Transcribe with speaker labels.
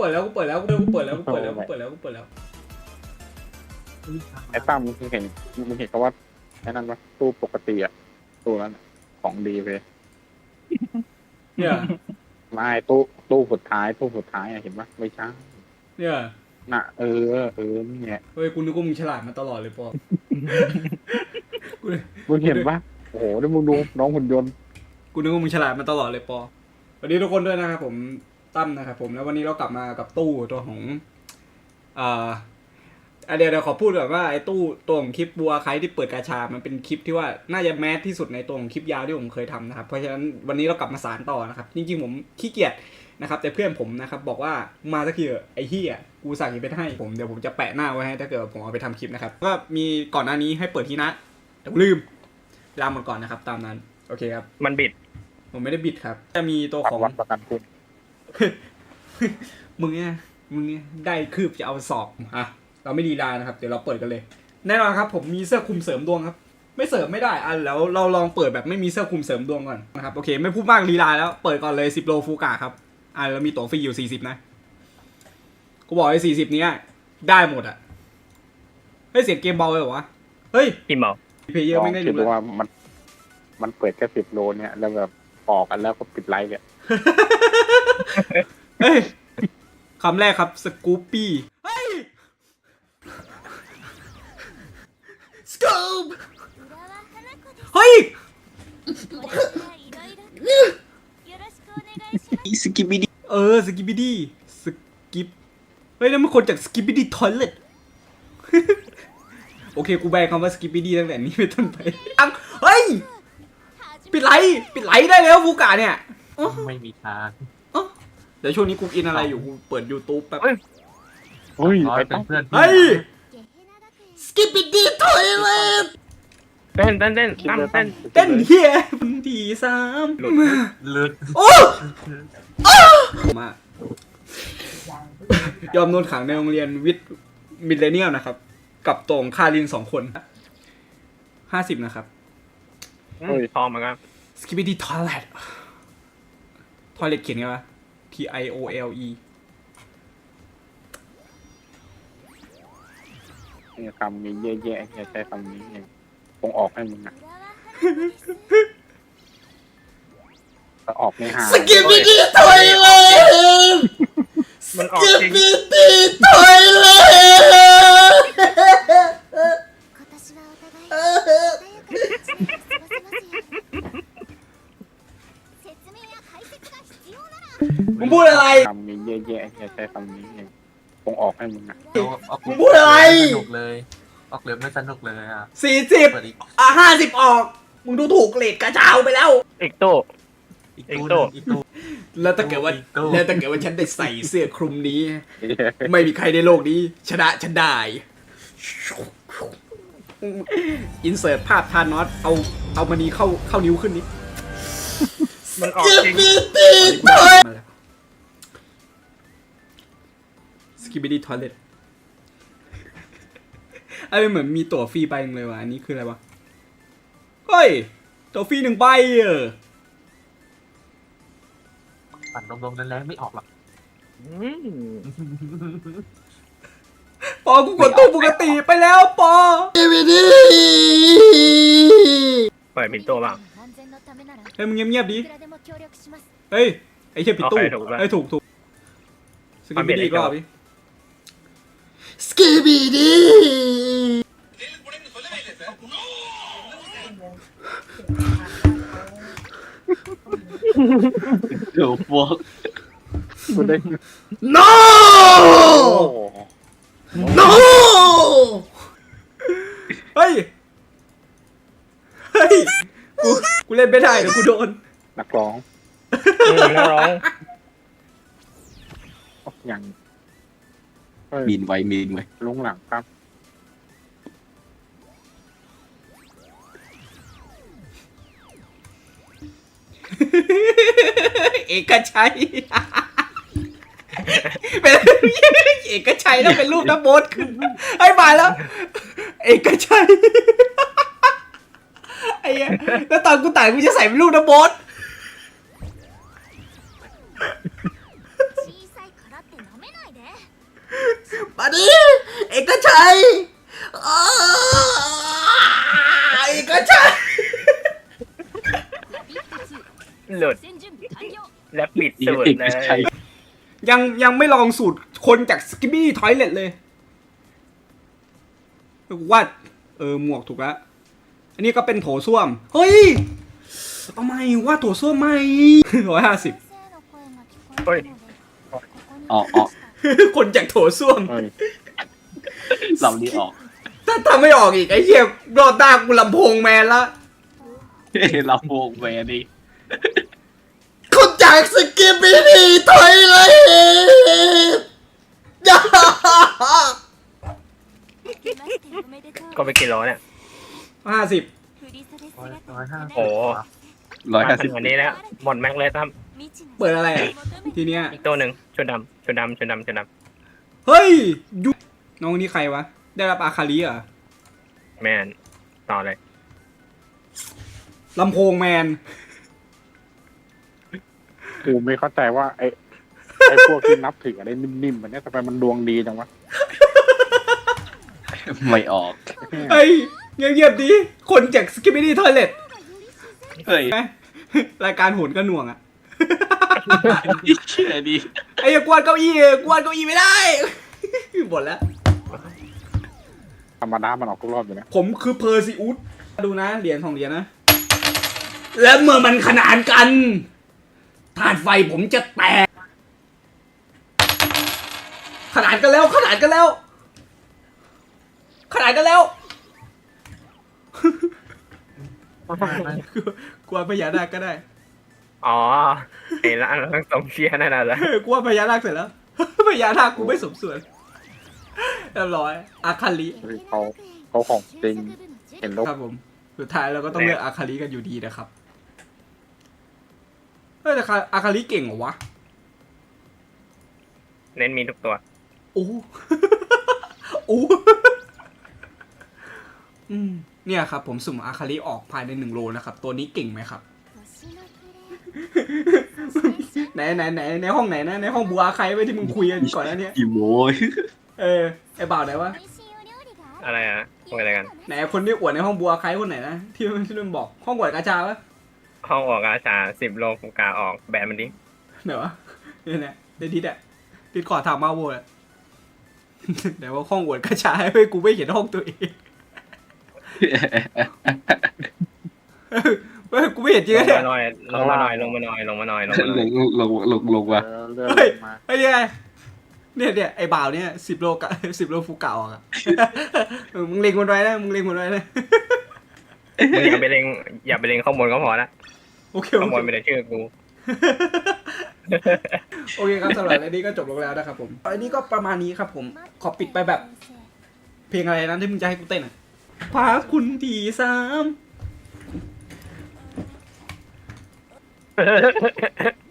Speaker 1: ปิดแล้วกูเปิดแล้วกูเปิดแล้ว
Speaker 2: ไอ้ตั้มมึงเห็นเขาว่าไอ้นั่นปะตู้ปกติอะตู้นั้นของดีไป
Speaker 1: เนี่ย
Speaker 2: ไม่ตู้สุดท้ายอะเห็นปะไม่ใช่
Speaker 1: เนี่ย
Speaker 2: น่ะนี่ไง
Speaker 1: เฮ้ยกูนึกว่ามึงฉลาดมาตลอดเลยปอกู
Speaker 2: มึงเห็นปะโอ้โหแล้วมึงดูน้องหุ่นยนต์
Speaker 1: กูนึกว่ามึงฉลาดมาตลอดเลยปอสวัสดีทุกคนด้วยนะครับผมตั้มนะครับผมแล้ววันนี้เรากลับมากับตู้ตัวของเดี๋ยวขอพูดแบบว่าไอ้ตู้ตัวของคลิปบัวใครที่เปิดกาชามันเป็นคลิปที่ว่าน่าจะแมสที่สุดในตัวของคลิปยาวที่ผมเคยทำนะครับเพราะฉะนั้นวันนี้เรากลับมาสานต่อนะครับจริงๆผมขี้เกียจนะครับแต่เพื่อนผมนะครับบอกว่ามาสักทีไอ้เหี้ยกูสั่งอีเวนต์ให้ผมเดี๋ยวผมจะแปะหน้าไว้ให้ถ้าเกิดผมเอาไปทำคลิปนะครับก็มีก่อนหน้านี้ให้เปิดที่นะแต่ลืมลาหมดก่อนนะครับตามนั้นโอเคครับ
Speaker 3: มันบิด
Speaker 1: ผมไม่ได้บิดครับจะมีตัวของ
Speaker 2: วัดประกันคุณ
Speaker 1: มึงเนี่ยได้คืบจะเอาสอบเราไม่ดีลานะครับเดี๋ยวเราเปิดกันเลยแน่นอนครับผมมีเสื้อคลุมเสริมดวงครับไม่เสริมไม่ได้แล้วเราลองเปิดแบบไม่มีเสื้อคลุมเสริมดวงก่อนนะครับโอเคไม่พูดมากลีลาแล้วเปิดก่อนเลย10 โลฟูกะครับเรามีตั๋วฟรีอยู่40นะกูบอกไอ้40นี้ได้หมดเฮ้ยเสียงเกมเบาเลยเหรอวะเฮ้ย
Speaker 3: พิมพ์เอา
Speaker 1: เพลเยอร์ไม่ได้
Speaker 2: คิ
Speaker 1: ดู
Speaker 2: ด
Speaker 1: เลย
Speaker 2: ว่ามันเปิดแค่10 โลเนี่ยแล้วแบบออกกันแล้วก็ปิดไลฟ์เนี่ย
Speaker 1: เฮ้ยคำแรกครับสกูปปี้เฮ้ยสกูปเฮ้ย
Speaker 3: สกิปบิด
Speaker 1: สกิปปี้ดีสกิปเฮ้ยนั่นมันคนจากสกิปปี้ดีทอยเลทโอเคกูแบนคำว่าสกิปปี้ดีตั้งแต่นี้เป็นต้นไปเฮ้ยปิดไลท์ได้แล้วฟูกะเนี่ย
Speaker 4: ไม่มีทาง
Speaker 1: เดี๋ยวช่วงนี้กูอินอะไรอยู่กูเปิด YouTube แป๊บ
Speaker 2: เฮ้ย
Speaker 4: ร้อย
Speaker 2: ไอ้
Speaker 4: เป็
Speaker 2: ตั้
Speaker 4: น
Speaker 2: ม
Speaker 4: เพื่อน
Speaker 1: เฮ้ยสกิปปี้ดีทอยเลท
Speaker 3: เต้นตั้มเต้น
Speaker 1: เต้นเฮียทีสาม
Speaker 4: เลือด
Speaker 1: โอ้มายอมโดนขังในโรงเรียนวิทย์มิลเลนเนียลนะครับกับตรงคาริน2 คน50นะครับ
Speaker 3: ทองเหมือนกัน
Speaker 1: Skibidi Toilet Toilet เขียนไงวะ TIOLE
Speaker 2: เนี่ยคำนี้แย่ๆเนี่ยใช้คำนี้เนี่ยคงออกให้มึงอ่ะก็ออกในหา
Speaker 1: Skibidi Toilet
Speaker 3: มันออกจริง
Speaker 1: Skibidi Toilet มึงพูดอะไร
Speaker 2: คำนี้แย่ๆเนี่ยใช้คำนี้เนี่ยคงออกให้มึงอ่ะ
Speaker 1: มึงพูดอะไร
Speaker 4: สนุกเลยออกเรือไม่สนุกเลยอ่ะ
Speaker 1: 40
Speaker 4: เปิดอีก
Speaker 1: 50ออก มึงดูถูกเกรดกระเช้าไปแล้ว
Speaker 3: อีกตู้
Speaker 4: อีกตู้
Speaker 1: แล้วถ้าเกิดว่า
Speaker 4: อีกตู้
Speaker 1: ฉันได้ใส่เสื้อคลุมนี้ ไม่มีใครในโลกนี้ชนะฉันได้อินเสิร์ตภาพทานอสเอามานี้เข้านิ้วขึ้นนิด
Speaker 3: มันออกจริง
Speaker 1: สกิปปี้ทอยเลทอะไรเหมือนมีตั๋วฟรีใบนึงเลยว่ะอันนี้คืออะไรวะเฮ้ยตั๋วฟรี1 ใบ
Speaker 4: ปั่นลมๆแรงๆไม่ออกหรอก
Speaker 1: ปอกูกดตู้ปกติไปแล้วปอ
Speaker 3: เปิดปิดตู้บ้าง
Speaker 1: เฮ้ยมึงเงียบๆดิเฮ้ยไอ้เหี้ยปิดตู้
Speaker 3: โอเคถูกแล้ว
Speaker 1: ไอ้ถูกสกิปปี้
Speaker 3: มันเปลี่ยน
Speaker 1: อีกรอบ
Speaker 3: อี
Speaker 1: ดิ
Speaker 3: ก
Speaker 1: สกิปปี้ดี
Speaker 4: เดี๋ยวพวก
Speaker 2: กูได้
Speaker 1: no
Speaker 2: โอ้โห
Speaker 1: no เฮ้ยกูเล่นไม่ได้เดี๋ยวกูโดน
Speaker 2: นักร้อง
Speaker 3: นักร้อง
Speaker 2: อย่าง
Speaker 4: มีนไว้
Speaker 2: ลุงหลังครับ
Speaker 1: เอกชัยเป็นเอกชัยแล้วเป็นรูปน้ำโบ๊ทขึ้นให้มาแล้ว เอกชัยไอ้เหี้ยแล้วตอนกูแต่งกูจะใส่เป็นรูปน้ำโบ๊ทมาดิเอกชัยอ้าเอกชัย
Speaker 3: หลุดแลบบิดสุด
Speaker 4: เอก
Speaker 3: เลย
Speaker 4: ชัย
Speaker 1: ยังไม่ลองสูตรคนจากสกิบบี้ทอยเลตเลยว่าหมวกถูกแล้วอันนี้ก็เป็นโถส้วมเฮ้ยเอาไม่ว่าโถส้วมไม่150
Speaker 3: เฮ้ย
Speaker 4: ออก
Speaker 1: คนจากโถส้วม
Speaker 2: เฮ้ย
Speaker 4: เรานี่ออก
Speaker 1: ถ้าทำไม่ออกอีกไอ้เหี้ยรอดตากูลำโพงแมนละ
Speaker 4: เราโวงแวร์ดิ
Speaker 1: คนจากสกิปปี้ถอยเลยอย่า
Speaker 3: ก็ไปกิโลเนี่ย
Speaker 1: 50
Speaker 3: โอ้
Speaker 4: 150
Speaker 3: อันนี้แล้วหมดแม็กเลยครับ
Speaker 1: เปิดอะไรอ่ะทีเนี้ย
Speaker 3: อีกตัวหนึ่งชุดดำชุดดำชุดดำชุดด
Speaker 1: เฮ้ยยุน้องนี่ใครวะได้รับอาคาริเหรอ
Speaker 3: ำแมนต่อเลย
Speaker 1: ลำโพงแมน
Speaker 2: กูไม่เข้าใจว่าไอ้พวกที่นับถืออะไรนิ่มๆแบบเนี้ยทำไมมันดวงดีจังวะ
Speaker 4: ไม่ออก
Speaker 1: เฮ้ยเงียบๆดิคนจากสกิปปี้ทอยเลต
Speaker 4: เฮ้ย
Speaker 1: รายการโหนกระหน่วงอ่ะ
Speaker 4: เชื่อดิ
Speaker 1: ไอ้กวาดเก้าอี้ไม่ได้ หมดแล้ว
Speaker 2: ธรรมดามันออกทุกรอบอยู่นะ
Speaker 1: ผมคือเพอร์ซิอุสดูนะเหรียญ2 เหรียญนะ และเมื่อมันขนานกันธาตุไฟผมจะแตก ขนานกันแล้ว กลัวพญานาคก็ได้
Speaker 3: อ๋อไอ้ร้านทั้งสองเชียร์นั่นน่ะเหรอก
Speaker 1: ลัวพญานาคเสร็จแล้ว พญานาคกูไม่สมส่วนเรียบร้อยอาคาลิ
Speaker 2: เฮ้ยเขาของจริงเห็นแล้ว
Speaker 1: ครับผม สุดท้ายเราก็ต้องเลือกอาคาลิกันอยู่ดีนะครับเฮ้ยแต่อาคาลิเก่งเหรอวะ
Speaker 3: เน้นมีทุกตัว
Speaker 1: โอ้ โอ้เนี่ยครับผมสุ่มอาคาลิออกภายใน1 โลนะครับ ตัวนี้เก่งไหมครับ ในห้องไหนนะ ในห้องบัวใครไว้ที่มึงคุยกันก่อนนะเนี่ย
Speaker 4: กี่โมย
Speaker 1: ไอ้บ่าวไหนวะ
Speaker 3: อะไรอ่ะคุยอะไรกัน
Speaker 1: ไหนคนที่อวดในห้องบัวใครคนไหนนะที่มันบอกห้องอวดกาชาปะ
Speaker 3: ห้องออกอาชา10 โลกูกาออกแบนมันดิ
Speaker 1: ไหนวะเนี่ยเดยวดิดขอถามมาโวยแต่ว่าห้องอวดกาชาให้กูไม่เห็นห้องตัวเองเฮ้ยกูไม่เห็นจริง
Speaker 3: ลง
Speaker 1: เนี่ย
Speaker 3: มาหน่อยลงมาหน่อยลงมาหน่อยลงมาหน่อยลงมาหน่อย
Speaker 4: ลงว่ะ
Speaker 2: เลื่อน
Speaker 1: เฮ้ย
Speaker 2: มา
Speaker 1: ไอ้เนี่ยไอ้บ่าวเนี่ย10 โลกะ10 โลฟูเก่าอ่ะมึงเล็งมันไว้นะ
Speaker 3: มึงอย่าไปเล็งอย่าไปเล็งข้างบนก็พอละ
Speaker 1: โอเค
Speaker 3: ข้างบนไม่ได้ชื่อกู
Speaker 1: โอเคครับสำหรับอันนี้ก็จบลงแล้วนะครับผมอันนี้ก็ประมาณนี้ครับผมขอปิดไปแบบ เพลงอะไรนั้นที่มึงจะให้กูเต้นอ่ะพาคุณที3